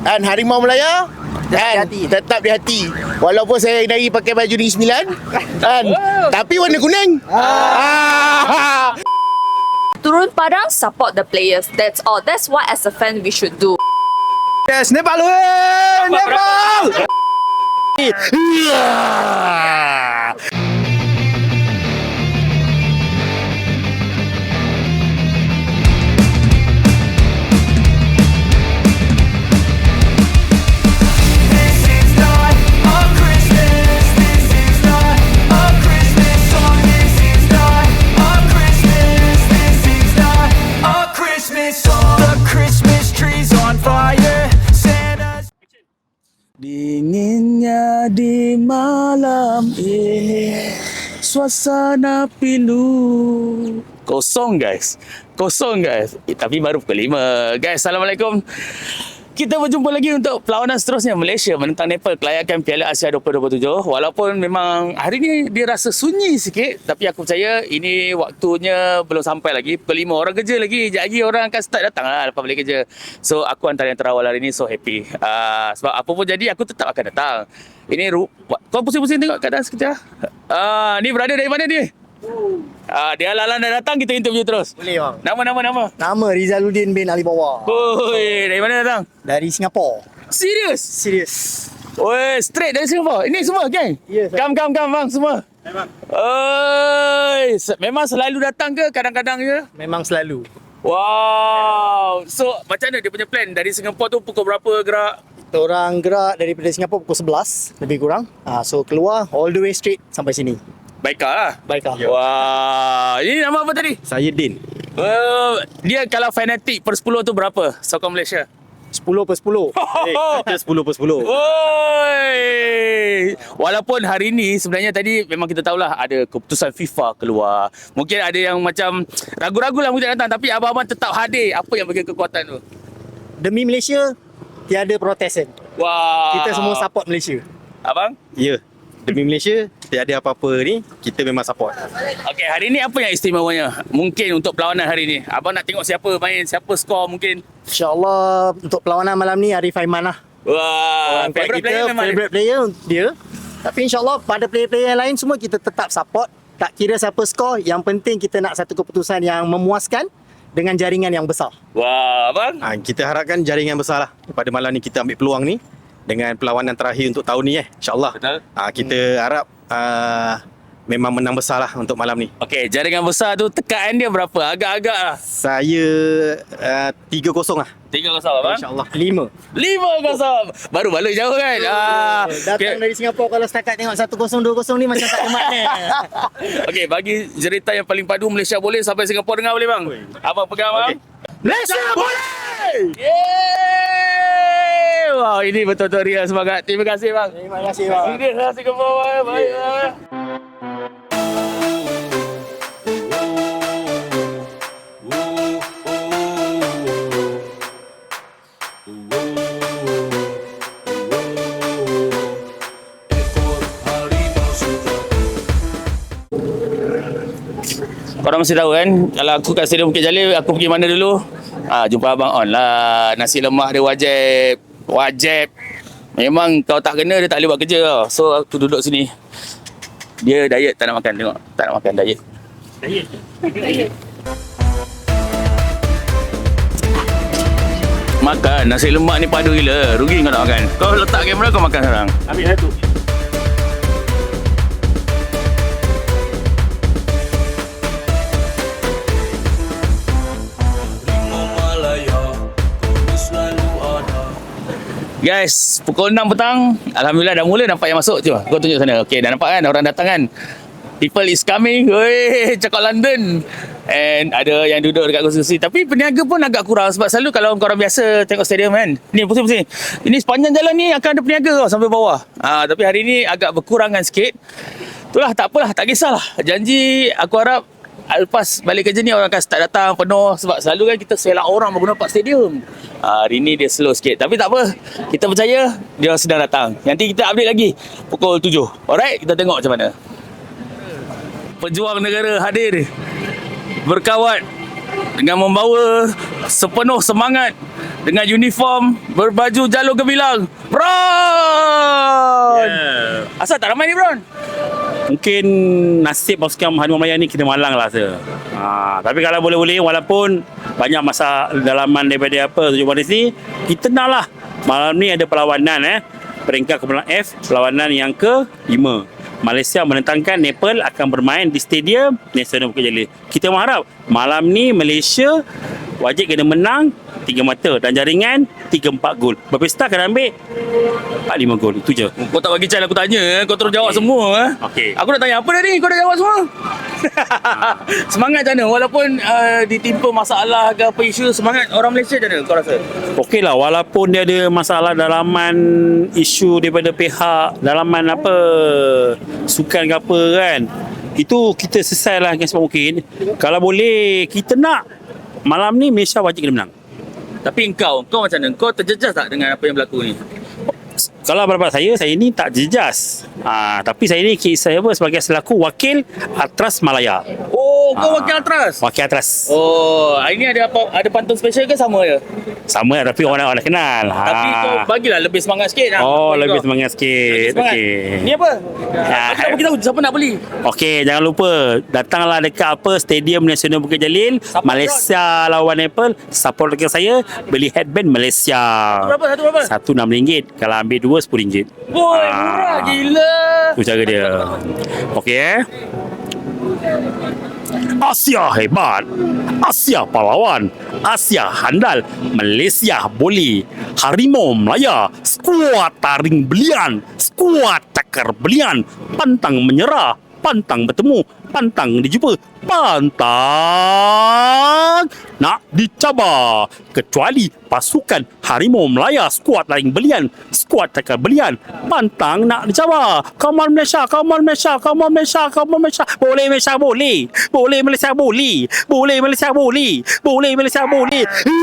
Kan Harimau Melaya kan tetap di hati. Walaupun saya dari pakai baju Negeri Sembilan kan, tapi warna kuning. Turun padang, support the players. That's all. That's what as a fan we should do. Yes, Nepal, Nepal. Dinginnya di malam ini, suasana pilu. Kosong guys. Tapi baru pukul 5. Guys, Assalamualaikum. Kita berjumpa lagi untuk perlawanan seterusnya Malaysia menentang Nepal kelayakan Piala Asia 2027. Walaupun memang hari ni dia rasa sunyi sikit, tapi aku percaya ini waktunya belum sampai lagi. Pukul 5 orang kerja lagi. Sekejap lagi orang akan start datang lah lepas balik kerja. So aku antara yang terawal hari ni, so happy. Sebab apa pun jadi aku tetap akan datang. Ini kau pusing-pusing tengok keadaan sekejap. Ni berada dari mana ni? Dia lalan dah datang, kita interview terus. Boleh bang. Nama. Nama Rizaluddin bin Ali Bawa. Oi, dari mana datang? Dari Singapura. Serius? Serius. Oi, straight dari Singapura. Ini semua geng? Ya, Kam bang semua. Memang. Oi, memang selalu datang ke kadang-kadang je? Memang selalu. Wow. So, macam mana dia punya plan? Dari Singapura tu pukul berapa gerak? Kita orang gerak daripada Singapura pukul 11 lebih kurang. So keluar all the way straight sampai sini. Baiklah lah. Baiklah. Wah. Ini nama apa tadi? Saya Din. Dia kalau fanatik per 10 tu berapa? Sokong Malaysia. 10/10. Kita 10/10. Oi. Walaupun hari ni sebenarnya tadi memang kita tahulah ada keputusan FIFA keluar. Mungkin ada yang macam ragu-ragu lah mungkin datang, tapi abang-abang tetap hadir. Apa yang bagi kekuatan tu? Demi Malaysia, tiada protesan. Wah. Kita semua support Malaysia. Abang? Ya. Demi Malaysia, tiada apa-apa ni, kita memang support. Okey, hari ni apa yang istimewanya? Mungkin untuk perlawanan hari ni. Abang nak tengok siapa main, siapa skor mungkin. InsyaAllah untuk perlawanan malam ni Arif Aiman lah. Wah, Orang kuat favorite player memang dia. favorite player dia. Tapi insyaAllah pada player-player yang lain semua kita tetap support. Tak kira siapa skor, yang penting kita nak satu keputusan yang memuaskan dengan jaringan yang besar. Wah, abang. Kita harapkan jaringan besar lah. Pada malam ni kita ambil peluang ni dengan perlawanan terakhir untuk tahun ni InsyaAllah. Betul. Kita harap memang menang besar lah untuk malam ni. Okey, jaringan besar tu tekaan dia berapa? Agak-agak lah. Saya 3-0 lah. 3-0 abang. InsyaAllah. 5. 5-0. Baru balik jauh kan? Datang dari Singapura kalau setakat tengok 1-0, 2-0 ni macam tak ada makna. Okey, bagi cerita yang paling padu Malaysia boleh sampai Singapura dengar boleh bang? Abang pegang bang. Malaysia boleh! Yeay! Wow, ini betul-betul real semangat. Terima kasih bang. Terima kasih bang. Serius lah Singapura. Baik bang. Korang mesti tahu kan, kalau aku kat Stadium Bukit Jalil, aku pergi mana dulu? Jumpa abang on lah. Nasi lemak dia wajib. Memang kau tak kena, dia tak boleh buat kerja tau. So aku duduk sini. Dia diet, tak nak makan, tengok. Tak nak makan, diet. Makan, nasi lemak ni padu gila. Rugi kau nak makan. Kau letak kamera, kau makan sekarang. Ambil satu. Guys, pukul 6 petang, alhamdulillah dah mula nampak yang masuk. Cuba kau tunjuk sana. Okey, dah nampak kan orang datang kan. People is coming. Weh, cakap London. And ada yang duduk dekat kursi. Tapi peniaga pun agak kurang sebab selalu kalau korang biasa tengok stadium kan. Ni pusing-pusing. Ini sepanjang jalan ni akan ada peniaga tau sampai bawah. Tapi hari ni agak berkurangan sikit. Itulah, tak apalah, tak kisahlah. Janji aku harap lepas balik kerja ni orang akan start datang penuh sebab selalu kan kita selak orang baru nampak stadium. Hari ni dia slow sikit tapi tak apa, kita percaya dia orang sedang datang. Nanti kita update lagi pukul 7. Alright, kita tengok macam mana pejuang negara hadir berkawat dengan membawa sepenuh semangat dengan uniform berbaju jalur gemilang. Bron! Asal tak ramai ni, Bron? Mungkin nasib pasukan Harimau Melaya ni kita malang lah rasa. Tapi kalau boleh-boleh, walaupun banyak masa dalaman daripada Tujuh Manis ni, kita nak lah. Malam ni ada perlawanan peringkat kumpulan F, perlawanan yang ke-5. Malaysia menentangkan Nepal akan bermain di Stadium Nasional Bukit Jalil. Kita mengharap malam ni Malaysia wajib kena menang 3 mata dan jaringan 3-4 gol. Berpesta kena ambil 4-5 gol. Itu je. Kau tak bagi chance aku tanya, kau terus jawab semua. Okey. Aku nak tanya apa tadi, kau dah jawab semua. Semangat macam mana? Walaupun ditimpa masalah ke apa isu, semangat orang Malaysia macam mana kau rasa? Okey lah, walaupun dia ada masalah dalaman, isu daripada pihak dalaman apa, sukan ke apa kan, itu kita selesai lah dengan sebab mungkin. Kalau boleh, kita nak malam ni Malaysia wajib kena menang. Tapi kau macam mana? Kau terjejas tak dengan apa yang berlaku ni? Kalau pendapat saya ni tak jejas. Tapi saya ni saya sebagai selaku wakil Atras Malaya. Oh, kau wakil Atras? Wakil Atras. Oh, hari ni ada apa? Ada pantun special ke sama je? Sama lah, tapi orang nak kenal. Tapi kau bagilah lebih semangat sikit. Lebih semangat sikit. Okey. Ni apa? Kita bagi tahu siapa nak beli. Okey, jangan lupa datanglah dekat Stadium Nasional Bukit Jalil, Support Malaysia lawan Nepal. Support dekat saya, beli headband Malaysia. Satu berapa? Satu RM6. Kalau ambil dua RM10. Boy, murah gila. Itu cara dia. Okey. Asia hebat, Asia pahlawan, Asia handal, Malaysia boleh. Harimau Melaya, skuad taring belian, skuad cakar belian, pantang menyerah, pantang bertemu, pantang dijumpa, pantang nak dicabar. Kecuali pasukan Harimau Melaya, skuad taring belian, skuad cakar belian, pantang nak dicabar. Come on Malaysia, come on Malaysia, come on Malaysia, come on Malaysia. Boleh Malaysia boleh. Boleh Malaysia boleh. Boleh Malaysia boleh. Boleh Malaysia boleh.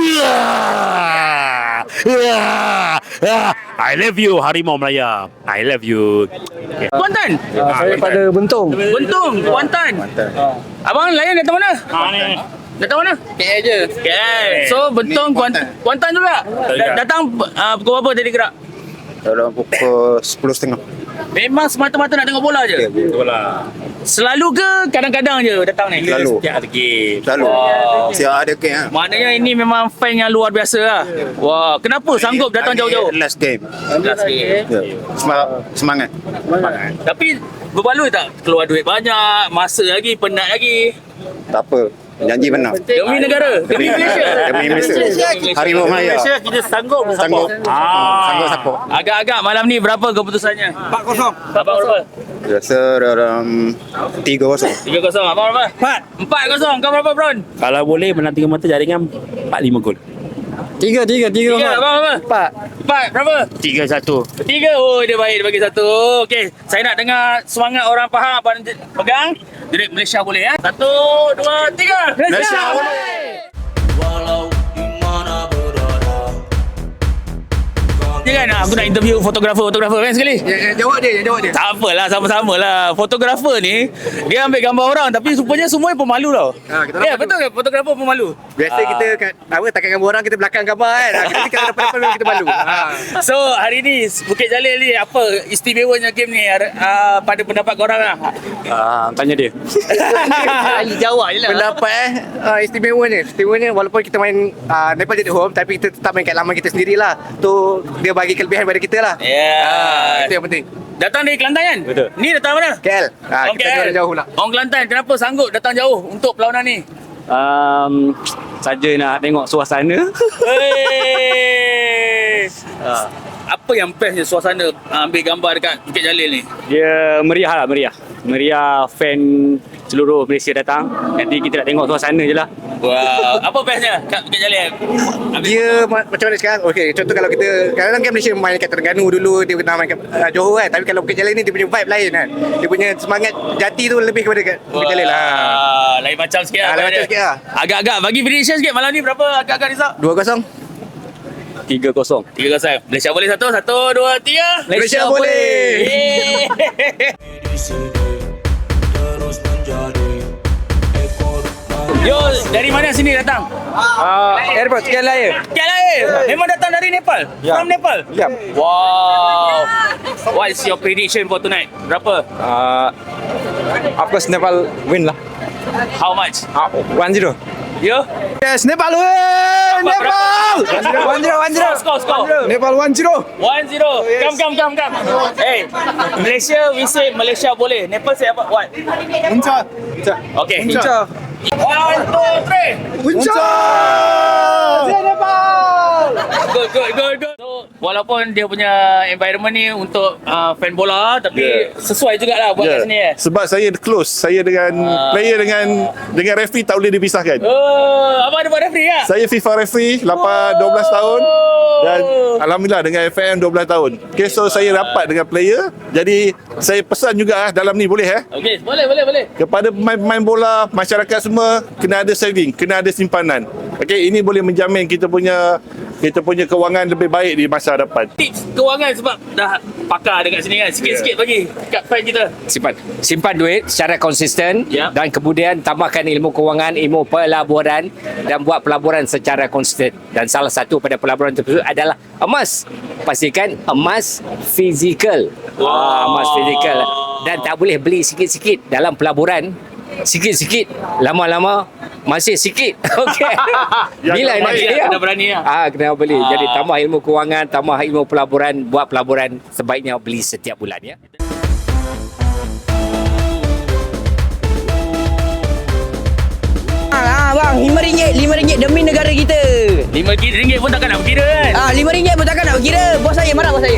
I love you Harimau Melaya. I love you. Okay. Kuantan? Saya pada Bentong. Buntung, Kuantan. Abang layan datang mana? Ni. Datang mana? KL je. KL. So Bentong Kuantan juga. Datang pukul berapa tadi gerak? Dalam pukul 10.30. Memang semata-mata nak tengok bola je. Betul lah. Selalu ke kadang-kadang je datang ni? Selalu. Setiap ada game. Selalu. Wow. Siap ada game lah. Maknanya ini memang fan yang luar biasa lah. Wah, kenapa sanggup datang jauh-jauh? Last game. Last game. Ya. Semangat. Tapi berbaloi tak? Keluar duit banyak, masa lagi, penat lagi. Tak apa. Janji benar. Demi negara, demi Malaysia. Demi Malaysia. Harimau Melaya. Malaysia kita sanggup Sanggup. Sanggup support. Agak-agak malam ni berapa keputusannya? 4-0. Abang berapa? Biasa dalam 3-0. 3-0. Abang berapa? 4-0. Kau berapa, Bron? Kalau boleh menang 3 mata jaringan 4-5 gol. 3. Abang berapa? 4. Berapa? 3-1. 3. Oh, dia baik. Dia bagi 1. Okey, saya nak dengar semangat orang Pahang. Abang pegang. Jadi Malaysia boleh ya? 1, 2, 3. Malaysia boleh. Walau di mana berada. Dia kan aku nak interview fotografer kan sekali. Jawab dia. Tak apalah, sama-sama lah. Fotografer ni, dia ambil gambar orang tapi rupanya semua pemalu tau. kita Ya, betul ke? Fotografer pemalu. Biasa kita takkan gambar orang, kita belakang gambar kan. Kita kalau dapat memang kita malu. So, hari ni Bukit Jalil ni apa istimewanya game ni pada pendapat korang lah? Tanya dia. Jawab je lah. Pendapat istimewanya walaupun kita main Nepal jadi home, tapi kita tetap main kat laman kita sendirilah. Tu dia bagi kelebihan pada kita lah. Ya. Itu yang penting. Datang dari Kelantan kan? Betul. Ni datang mana? KL. Orang Kita KL. jalan jauh lah. Orang Kelantan, kenapa sanggup datang jauh untuk perlawanan ni? Saja nak tengok suasana. Hey. Apa yang bestnya suasana ambil gambar dekat Bukit Jalil ni? Dia meriah lah, meriah fan seluruh Malaysia datang. Nanti kita nak tengok suasana je lah. Wow, apa bestnya kat Bukit Jalil? Dia macam mana sekarang? Okey, contoh kalau kita kadang-kadang kan Malaysia main kat Terengganu dulu, dia pernah main kat Johor kan. Tapi kalau Bukit Jalil ni dia punya vibe lain kan. Dia punya semangat jati tu lebih kepada kat Bukit Jalil lah. Lain macam sikit lah. Lain macam sikit lah. Agak-agak bagi prediction sikit malam ni berapa agak-agak Rizal? 2-0. 3-0. 3-0. Malaysia boleh 1, 1, 2, 3. Malaysia boleh. Yeay. Di sini terus menjadi ekor Yo, dari mana sini datang? Airport KLIA. KLIA. Memang datang dari Nepal? Ya. From Nepal? Ya. Wow. What is your prediction for tonight? Berapa? Of course Nepal win lah. How much? 1-0. You? Yes, Nepal win! Nepal! 1-0. Score. Nepal 1-0. 1-0. Come. Hey, Malaysia, we say Malaysia boleh. Nepal say apa? What? Unca. Okay. Unca. 1, 2, 3. Unca! Good. So, walaupun dia punya environment ni untuk fan bola, tapi sesuai jugalah buat kat sini Sebab saya close. Saya dengan player dengan referee tak boleh dipisahkan. Abang ada buat referee tak? Saya FIFA referee 12 tahun dan alhamdulillah dengan FM 12 tahun. Okay, so saya rapat dengan player. Jadi saya pesan juga dalam ni boleh Okey, boleh. kepada pemain-pemain bola, masyarakat semua kena ada saving, kena ada simpanan. Okey, ini boleh menjamin kita punya kewangan lebih baik di masa hadapan. Tips kewangan sebab dah pakar dekat sini kan. Sikit-sikit bagi kat fan kita. Simpan duit secara konsisten dan kemudian tambahkan ilmu kewangan, ilmu pelaburan dan buat pelaburan secara konsisten. Dan salah satu pada pelaburan tersebut adalah emas. Pastikan emas fizikal. Emas fizikal. Dan tak boleh beli sikit-sikit dalam pelaburan. Sikit-sikit, lama-lama masih sikit. Okey. Bila nak kena berani lah. kena beli. Jadi tambah ilmu kewangan, tambah ilmu pelaburan, buat pelaburan sebaiknya beli setiap bulan ya. Bang, RM5 demi negara kita. RM5 pun takkan nak berkira kan? RM5 pun takkan nak berkira. Bos saya marah bos saya.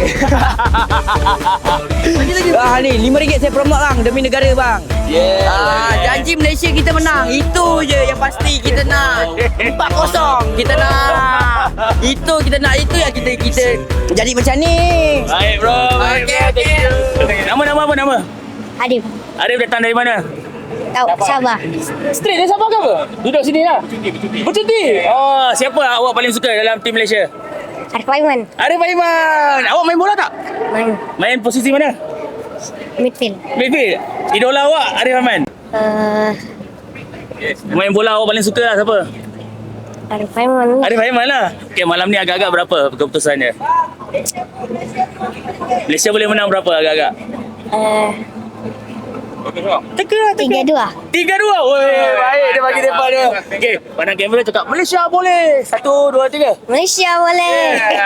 Ni RM5 saya promote bang demi negara bang. Janji Malaysia kita menang. Itu je yang pasti kita nak. 4-0 kita nak. Itu kita nak, itu yang kita jadi macam ni. Baik bro. Okey. Nama apa nama? Adib. Arif datang dari mana? Tahu Sabah. Straight dari Sabah ke apa? Duduk sini lah. Bercuti. Oh, siapa awak paling suka dalam tim Malaysia? Arif Aiman. Arif Aiman. Awak main bola tak? Main posisi mana? Midfield. Idola awak Arif Aiman. Main bola awak paling suka lah siapa? Arif Aiman. Arif Aiman lah. Okay, malam ni agak-agak berapa keputusannya? Malaysia boleh menang berapa agak-agak? 3-2. 3-2. Woi, baik dia bagi depan dia. Okey, pandang kamera cakap Malaysia boleh. 1, 2, 3. Malaysia boleh.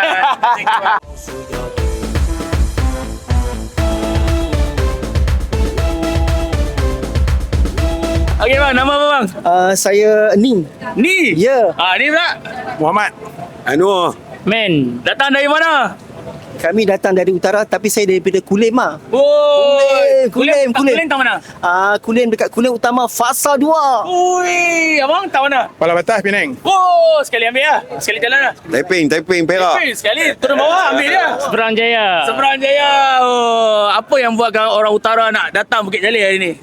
Okey bang, nama apa bang? Saya Ni. Ni? Ya. Ni pula? Muhammad Anwar. Men, datang dari mana? Kami datang dari utara tapi saya daripada Kulim lah. Kulim tak mana? Kulim dekat Kulim Utama Fasa 2. Ui, abang tak mana? Pala Batas Penang. Oh, sekali ambil lah. Sekali jalan lah. Taiping, Perak. Sekali turun bawah ambil dia. Seberang Jaya. Oh, apa yang buatkan orang utara nak datang Bukit Jalil hari ni?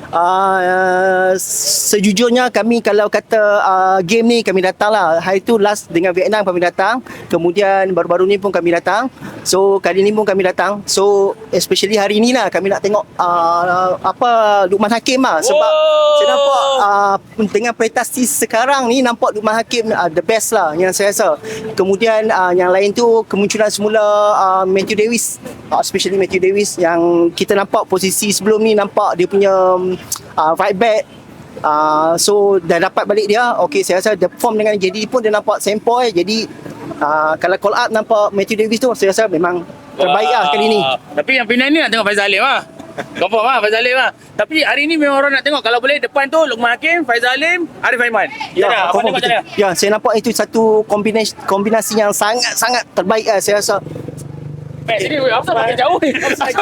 Sejujurnya kami kalau kata game ni kami datang lah. Hari tu last dengan Vietnam kami datang. Kemudian baru-baru ni pun kami datang. So kali ni pun kami datang. So especially hari ni lah kami nak tengok Luqman Hakim lah. Sebab saya nampak dengan prestasi sekarang ni nampak Luqman Hakim the best lah yang saya rasa. Kemudian yang lain tu kemunculan semula Matthew Davis. Especially Matthew Davis yang kita nampak posisi sebelum ni nampak dia punya right back. So dah dapat balik dia. Okay, saya rasa the form dengan JD pun dia nampak sempoi. Jadi kalau call up nampak Matthew Davis tu saya rasa memang terbaik lah kali ni. Tapi yang Penang ni nak tengok Faizal Alim lah. Confirm lah Faizal Alim lah. Tapi hari ni memang orang nak tengok. Kalau boleh depan tu Luqman Hakim, Faizal Alim, Arif Aiman. Ya, ya, saya nampak itu satu kombinasi yang sangat-sangat terbaik lah saya rasa. Sini, apa makin jauh ni?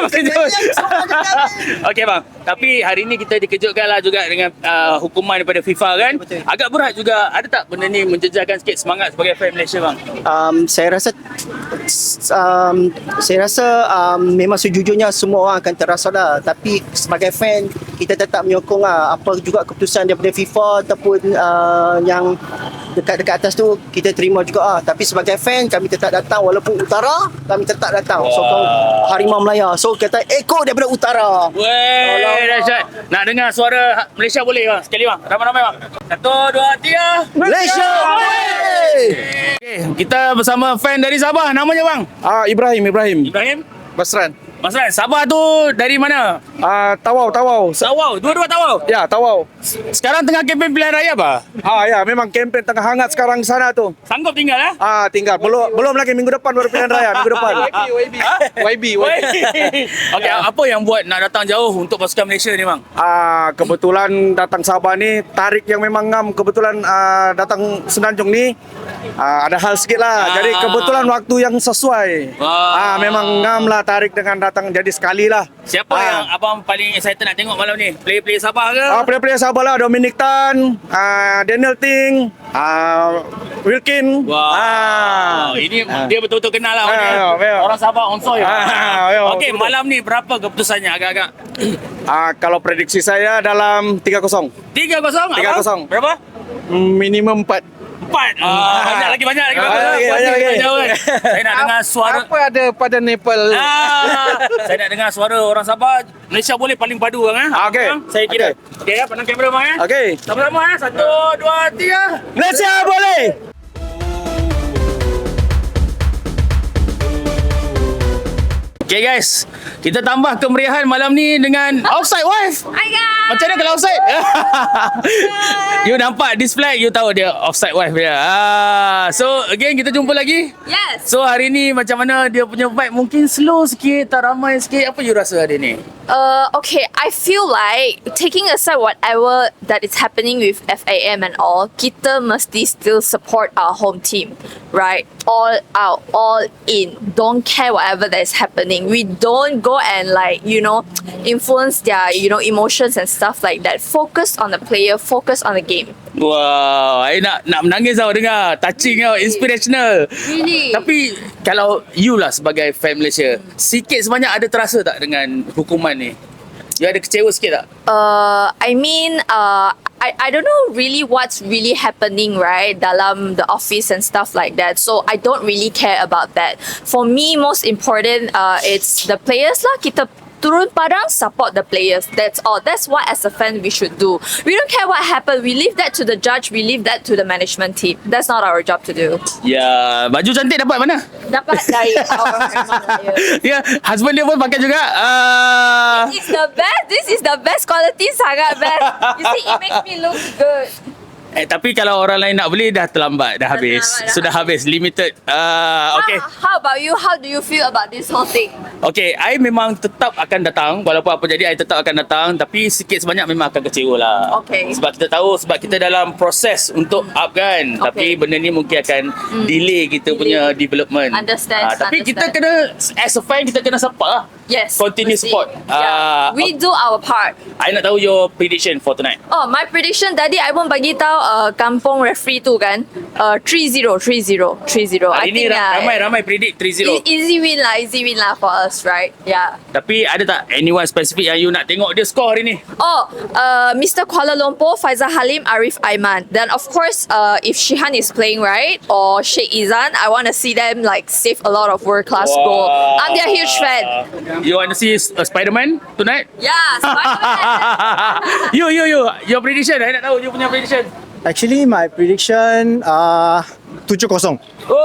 Okey bang, tapi hari ni kita dikejutkan lah juga dengan hukuman daripada FIFA kan. Betul. Agak berat juga. Ada tak benda ni menjejarkan sikit semangat sebagai fan Malaysia bang? Saya rasa memang sejujurnya semua orang akan terasa lah. Tapi sebagai fan kita tetap menyokong lah apa juga keputusan daripada FIFA ataupun yang dekat atas tu kita terima juga tapi sebagai fan kami tetap datang walaupun utara kami tetap datang sokong Harimau Melaya. So kita ekor daripada utara. Weh, dahsyat. Nak dengar suara Malaysia boleh bang? Sekali bang. Ramai-ramai bang. 1, 2, 3. Malaysia boleh. Okay, kita bersama fan dari Sabah. Namanya bang? Ibrahim. Ibrahim? Basran. Mas Ran, Sabah tu dari mana? Tawau. Tawau. Dua-dua Tawau. Ya, Tawau. Sekarang tengah kempen pilihan raya apa? Ya, memang kempen tengah hangat sekarang di sana tu. Sanggup tinggal Tinggal. Belum lagi minggu depan baru pilihan raya, minggu depan. YB. Okey, apa yang buat nak datang jauh untuk pasukan Malaysia ni bang? Kebetulan datang Sabah ni tarik yang memang ngam. Kebetulan datang Semenanjung ni ada hal sikit lah. Jadi kebetulan waktu yang sesuai. Memang ngam lah tarik dengan datang jadi sekali lah. Siapa yang abang paling excited nak tengok malam ni? Player-player Sabah ke? Player-player Sabah lah. Dominic Tan, Daniel Ting, Wilkin. Ini dia betul-betul kenal lah. Orang Sabah on soil. Okey, malam ni berapa keputusannya agak-agak? Kalau prediksi saya dalam 3-0. 3-0? Berapa? Minimum 4. Banyak lagi. Saya nak dengar suara. Apa ada pada Nepal? Saya nak dengar suara orang Sabah. Malaysia boleh paling padu bang. Okey. Saya kira. Okey ya, pandang kamera bang. Okey. Sama-sama 1, 2, 3. Malaysia boleh. Okay guys, kita tambah kemeriahan malam ni dengan Offside Wife. Hi guys. Macam mana kalau offside? You nampak this flag, you tahu dia Offside Wife dia. So again kita jumpa lagi. Yes. So hari ni macam mana dia punya vibe? Mungkin slow sikit, tak ramai sikit. Apa you rasa hari ni? Okay, I feel like taking aside whatever that is happening with FAM and all, kita mesti still support our home team, right? All out, all in. Don't care whatever that is happening. We don't go and influence their, emotions and stuff like that. Focus on the player, focus on the game. Wow, I nak menangis tau dengar. Touching tau, inspirational. Really? Tapi kalau you lah sebagai fan Malaysia, sikit sebanyak ada terasa tak dengan hukuman ni? You ada kecewa sikit tak? I don't know really what's really happening, right, dalam the office and stuff like that. So I don't really care about that. For me, most important, it's the players lah. Kita turun padang, support the players. That's all. That's what as a fan we should do. We don't care what happened. We leave that to the judge. We leave that to the management team. That's not our job to do. Ya, baju cantik dapat mana? Dapat dari our Ya, husband dia pun pakai juga. It's the best. This is the best quality, sangat best. You see, it makes me look good. Tapi kalau orang lain nak beli dah terlambat, dah habis. Sudah habis, limited. Okay. How about you? How do you feel about this whole thing? Okay, I memang tetap akan datang. Walaupun apa jadi, I tetap akan datang. Tapi sikit sebanyak memang akan kecewa lah. Okay. Sebab kita tahu, sebab kita dalam proses untuk up kan. Tapi benda ni mungkin akan delay kita punya development. Understand. Tapi kita kena, as a fan, kita kena support lah. Yes. Continue mesti. support. We do our part. I nak tahu your prediction for tonight. Oh, my prediction tadi I pun bagi tahu kampung referee tu kan 3-0. Hari ni ramai predict 3-0. Easy win lah for us, right? Yeah. Tapi ada tak anyone specific yang you nak tengok dia score hari ni? Mr. Kuala Lumpur, Faizal Halim, Arif Aiman. Then of course, if Shihan is playing right or Sheikh Izan, I want to see them save a lot of world class goal. I'm their huge fan. You want to see Spider-Man tonight? Yeah, Spider-Man. You. Your prediction. I nak tahu you punya prediction. Actually, my prediction 7-0.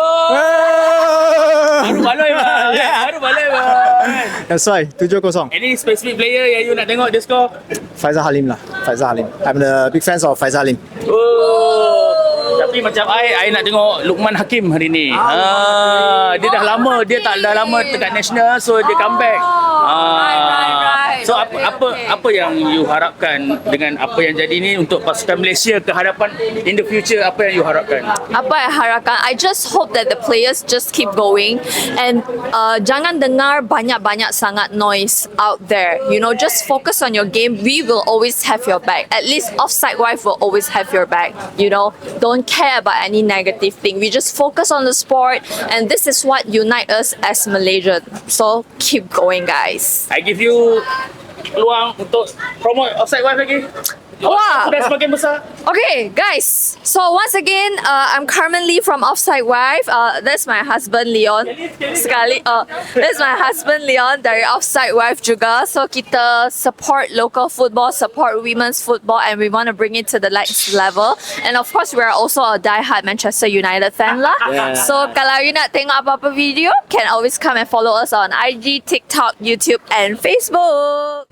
Baru baloi bang. That's why 7-0. Any specific player yang you nak tengok dia score? Faizal Halim. I'm the big fans of Faizal Halim. Tapi macam I nak tengok Luqman Hakim hari ni. Dia dah lama dekat national, so dia comeback. Right. So apa yang you harapkan dengan apa yang jadi ni untuk pasukan Malaysia ke hadapan in the future? Apa yang you harapkan? Apa yang harapkan? I just hope that the players just keep going and jangan dengar banyak sangat noise out there. Just focus on your game. We will always have your back. At least Offside Wife will always have your back. Don't care about any negative thing. We just focus on the sport, and this is what unite us as Malaysian. So keep going, guys. I give you peluang untuk promote Offside Wife lagi. Wah. Sudah semakin besar. Okay, guys. So once again, I'm currently from Offside Wife. That's my husband Leon. That's my husband Leon dari Offside Wife juga. So kita support local football, support women's football, and we want to bring it to the next level. And of course, we are also a die-hard Manchester United fan lah. So kalau you nak tengok apa-apa video, can always come and follow us on IG, TikTok, YouTube, and Facebook.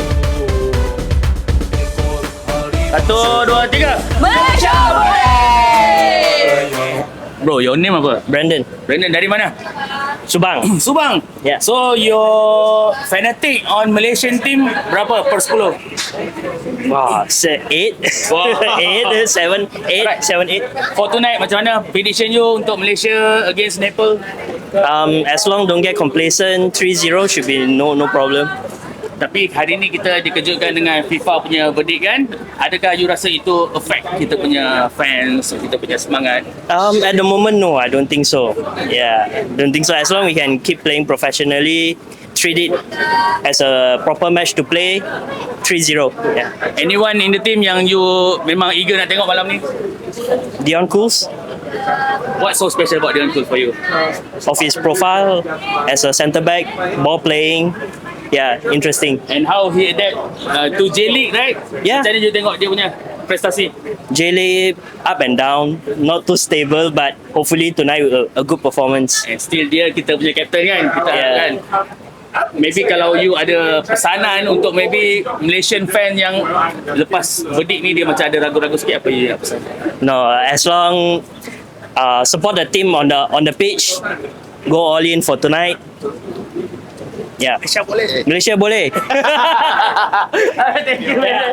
1, 2, 3. Malaysia boleh! Bro, your name apa? Brandon. Brandon dari mana? Subang. Subang. Yeah. So your fanatic on Malaysian team berapa per 10? Wow, 8. Wow. 8, 7, 8, 7, 8. For tonight, macam mana prediction you untuk Malaysia against Nepal? As long don't get complacent, 3-0 should be no problem. Tapi hari ni kita dikejutkan dengan FIFA punya verdict kan? Adakah you rasa itu affect kita punya fans, kita punya semangat? At the moment, no, I don't think so. Yeah, don't think so. As long we can keep playing professionally, treat it as a proper match to play, 3-0. Yeah. Anyone in the team yang you memang eager nak tengok malam ni? Dion Cools. What's so special about Dion Cools for you? Of his profile as a centre back, ball playing. Yeah, interesting. And how he adapt to J-League, right? Yeah. Macam mana you tengok dia punya prestasi? J-League up and down, not too stable, but hopefully tonight a good performance. And still dia kita punya captain kan? Kita Yeah. harapkan. Maybe kalau you ada pesanan untuk maybe Malaysian fan yang lepas verdict ni dia macam ada ragu-ragu sikit, apa you nak pesan? No, as long support the team on the pitch, go all in for tonight. Yeah. Malaysia boleh. Malaysia boleh. Thank you, man.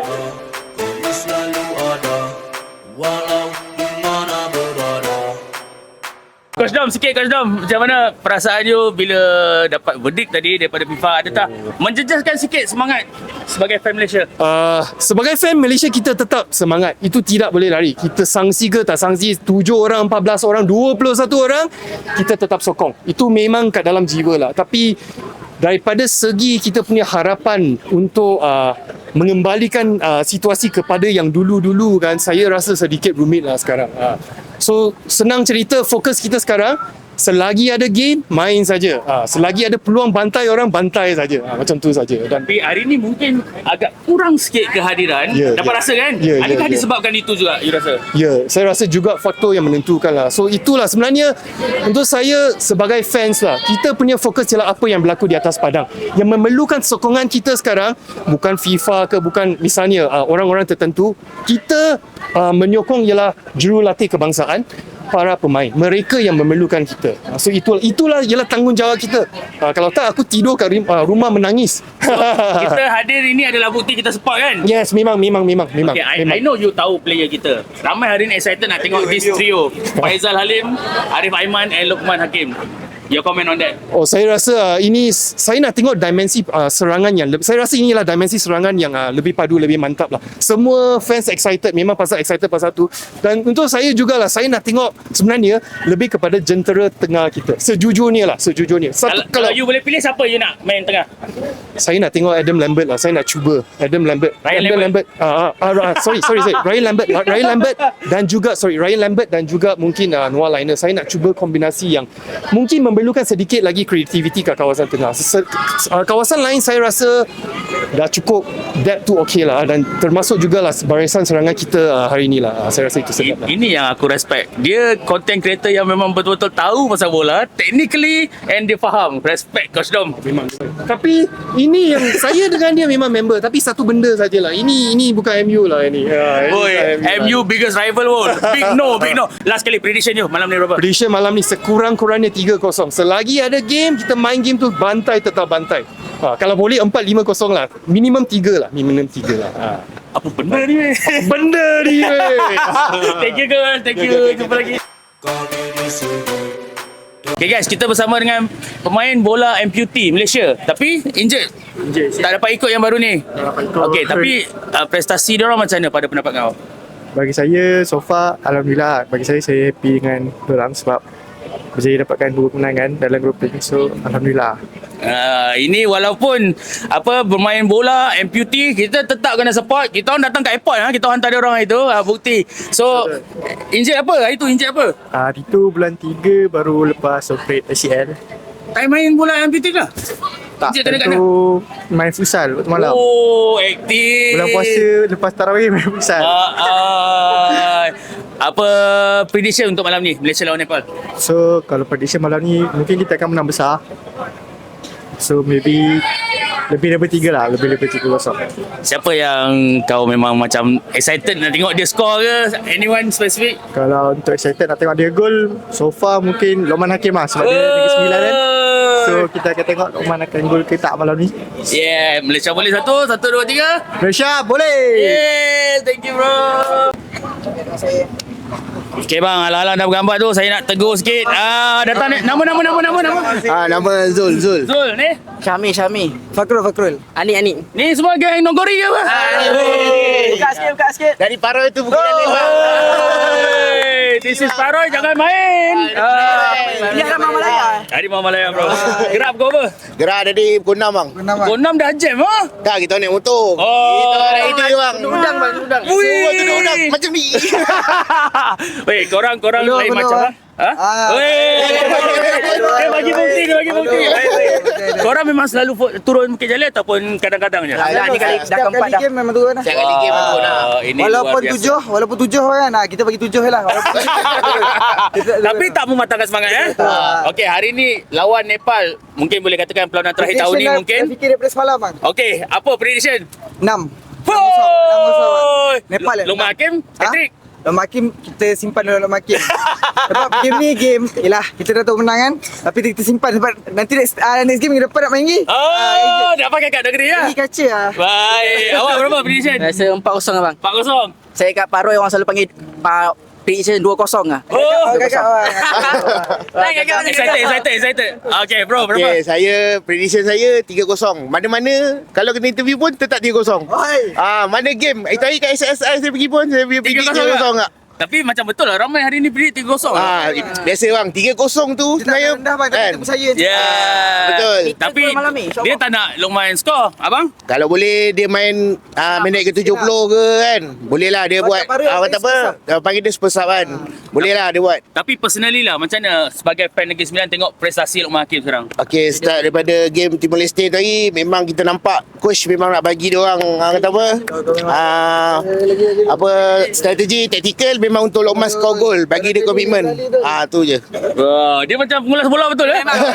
Selalu ada, walau di mana berada. Coach Dom, sikit Coach Dom, macam mana perasaan you bila dapat verdict tadi daripada FIFA? Ada tak menjejaskan sikit semangat sebagai fan Malaysia? Sebagai fan Malaysia, kita tetap semangat. Itu tidak boleh lari. Kita sanksi ke tak sanksi, 7 orang, 14 orang, 21 orang, kita tetap sokong. Itu memang kat dalam jiwa lah. Tapi daripada segi kita punya harapan untuk mengembalikan situasi kepada yang dulu-dulu kan, saya rasa sedikit rumit lah sekarang. So senang cerita, fokus kita sekarang, selagi ada game, main saja. Selagi ada peluang bantai orang, bantai saja. Macam tu saja. Dan Tapi hari ni mungkin agak kurang sikit kehadiran. Dapat rasa kan? Adakah disebabkan itu juga you rasa? Ya, saya rasa juga faktor yang menentukan lah. So itulah sebenarnya untuk saya sebagai fans lah, kita punya fokus ialah apa yang berlaku di atas padang. Yang memerlukan sokongan kita sekarang bukan FIFA ke, bukan misalnya orang-orang tertentu. Kita menyokong ialah jurulatih kebangsaan, para pemain. Mereka yang memerlukan kita. So itulah ialah tanggungjawab kita. Kalau tak, aku tidur kat rumah menangis. Kita hadir ini adalah bukti kita support kan? Yes, memang. Okay, I know you tahu player kita. Ramai hari ni excited nak tengok this trio. Faizal Halim, Arif Aiman and Luqman Hakim. Your comment on that? Oh, saya rasa ini saya nak tengok dimensi serangan yang saya rasa inilah dimensi serangan yang lebih padu, lebih mantap lah. Semua fans excited, memang pasal excited pasal tu. Dan untuk saya jugalah, saya nak tengok sebenarnya lebih kepada jentera tengah kita. Sejujurnya. Kalau you boleh pilih, siapa you nak main tengah? Saya nak tengok Adam Lambert lah. Saya nak cuba Adam Lambert. Ryan Lambert. Sorry. Ryan Lambert dan juga mungkin Noah Liner. Saya nak cuba kombinasi yang mungkin memerlukan sedikit lagi kreativiti kat kawasan tengah. Kawasan lain saya rasa dah cukup depth tu okey lah, dan termasuk jugalah barisan serangan kita hari ni lah. Saya rasa itu sedap lah. Ini yang aku respect. Dia content creator yang memang betul-betul tahu pasal bola, technically, and dia faham. Respect Coach Dom. Memang. Tapi ini yang saya dengan dia memang member, tapi satu benda sajalah. Ini bukan MU lah ini. MU biggest rival pun. Big no. Last kali prediction you malam ni berapa? Prediction malam ni sekurang-kurangnya 3-0. Selagi ada game, kita main game tu bantai, tetap bantai. Kalau boleh 4-5-0 lah. Minimum 3 lah. Apa benda ni weh? Thank you guys. Thank you. Jumpa lagi. Okay guys, kita bersama dengan pemain bola amputee Malaysia, tapi injured. Tak dapat ikut yang baru ni. Okay, tapi prestasi dia orang macam mana pada pendapat kau? Bagi saya, so far, Alhamdulillah. Bagi saya happy dengan diorang sebab berjaya dapatkan 2 kemenangan dalam grouping. So, Alhamdulillah. Ini walaupun bermain bola amputee, kita tetap kena support. Kita orang datang kat airport kita orang hantar dia orang itu bukti. So injet apa? Hari tu injet apa? Hari tu bulan 3 baru lepas operate ACL. Tak main bola amputee lah. Tak, Injet kena tu main futsal waktu malam. Oh, aktif. Bulan puasa lepas tarawih main futsal. Apa prediction untuk malam ni Malaysia lawan Nepal? So kalau prediction malam ni mungkin kita akan menang besar. So maybe lebih daripada 3 lah, lebih daripada 3-0. Siapa yang kau memang macam excited nak tengok dia score ke? Anyone specific? Kalau untuk excited nak tengok dia gol, so far mungkin Lokman Hakim lah sebab dia Negeri Sembilan kan. So kita akan tengok Lokman akan gol ke tak malam ni. Yeah, Malaysia boleh 1, 1, 2, 3. Malaysia boleh. Yeah, thank you bro. Okay bang, alang-alang dah bergambar tu, saya nak tegur sikit. Datang ni, nama. Nama Zul. Zul ni? Syami. Fakrul. Ani. Ni semua geng Nonggori ke apa? Buka sikit. Dari Paroy tu bukit Jalil bang. This is Paroy, jangan main. Dia ada Mama Malaya. Dari Mama Malaya bro. Gerak pukul apa? Gerak dari pukul 6 bang. Pukul 6 dah jam Tak, kita naik motor. Oh. Kita naik itu je bang. Udang. Semua tu udang macam ni. Weh, korang lain macam Dia bagi bukti. Korang memang selalu turun Bukit Jalil ataupun kadang-kadang je? Setiap kali game memang turun lah. Setiap kali game memang turun lah. Walaupun 7 kan, kita bagi 7 je lah. Tapi tak mematahkan semangat Okey, hari ni lawan Nepal, mungkin boleh katakan perlawanan terakhir tahun ni mungkin. Saya fikir daripada semalam bang. Okey, apa prediction? 6. Nepal Lokman Hakim, hat-trick. Lokman Hakim, kita simpan dulu Lokman Hakim. Sebab game, yelah, kita dah tahu menang kan. Tapi kita simpan sebab nanti next game minggu depan nak main lagi. Nak pakai kat negeri Lagi kaca lah. Baik. Awak berapa prediction? Rasa 4-0 abang. 4-0. Saya kat Paroy orang selalu panggil prediction 2-0 lah. Excited. Okay bro, berapa? Okay, saya prediction saya 3-0. Mana-mana kalau kena interview pun tetap 3-0. Mana game? Tadi kat SSI saya pergi pun saya predict 3-0 tak? Tapi macam betul lah, ramai hari ni predict 3-0. Biasa bang, 3-0 tu sebenarnya kan? betul. Tapi dia tak nak Lokman score, abang? Kalau boleh dia main minit ke 70 ke kan. Boleh lah dia buat kata apa? Panggil dia super sub kan. Boleh lah dia buat. Tapi personally lah, macam mana sebagai fan Negeri Sembilan tengok prestasi Lokman Hakim sekarang? Okay, start daripada game Timor Leste tadi, memang kita nampak coach memang nak bagi dia orang kata apa strategi taktikal memang untuk Lokman score gol, bagi dia komitmen. Tu je. Dia macam pengulas bola betul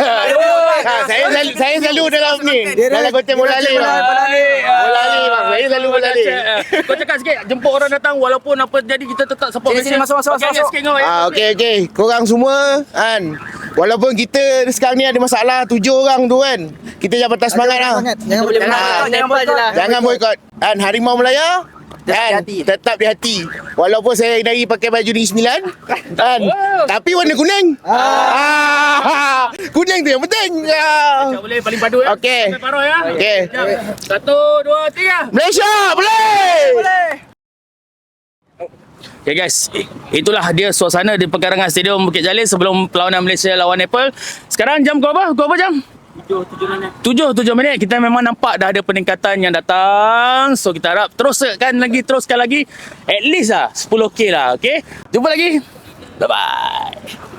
saya selalu dalam ni, dalam konten bola Ali bang. Bola Ali bang, saya selalu bola Ali. Kau cakap sikit, jemput orang datang walaupun apa jadi kita tetap support Malaysia. Masuk. Okay. Korang semua kan, walaupun kita sekarang ni ada masalah 7 orang tu kan, kita jangan patah semangat lah. Jangan boykot. Kan Harimau Melaya kan, tetap di hati. Walaupun saya dari pakai baju Negeri Sembilan kan, tapi warna kuning. Kuning tu yang penting. Boleh paling padu Okey. Okey. 1, 2, 3. Malaysia boleh. Okay guys, itulah dia suasana di perkarangan Stadium Bukit Jalil sebelum perlawanan Malaysia lawan Nepal. Sekarang jam kau apa? Kau apa jam? 7 minit. Kita memang nampak dah ada peningkatan yang datang. So kita harap teruskan lagi. At least lah 10k lah. Okay, jumpa lagi. Bye bye.